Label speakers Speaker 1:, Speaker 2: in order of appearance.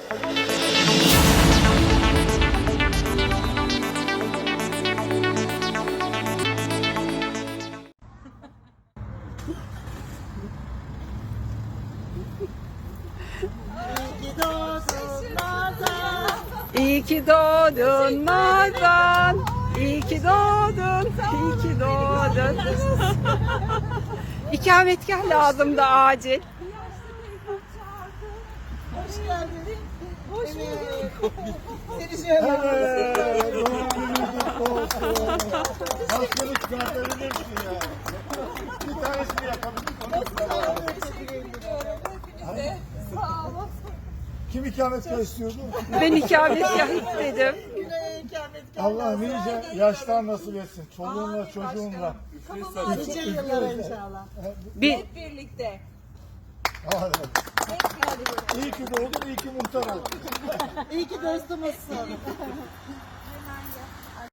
Speaker 1: İyi ki doğdun Nazan. İyi ki doğdun. İyi ki doğdun. İkametgah lazım da acil.
Speaker 2: Hoş geldin. Hoş bulduk. Seni şöyle
Speaker 3: Hastalık çıkartabilirsin ya. Bir tanesini yakabildik.
Speaker 2: Sağ olun.
Speaker 3: Kim ikametgah istiyordu?
Speaker 1: Ben ikametgah istedim.
Speaker 2: Güney ikametgah.
Speaker 3: Allah nice yaşlar nasip etsin. Çoluğunla çocuğunla.
Speaker 2: Nice yıllar inşallah.
Speaker 1: Bir
Speaker 2: Birlikte.
Speaker 3: Hadi. İyi ki doğdun, iyi ki muhtar oldun.
Speaker 2: İyi ki dostumuzsun.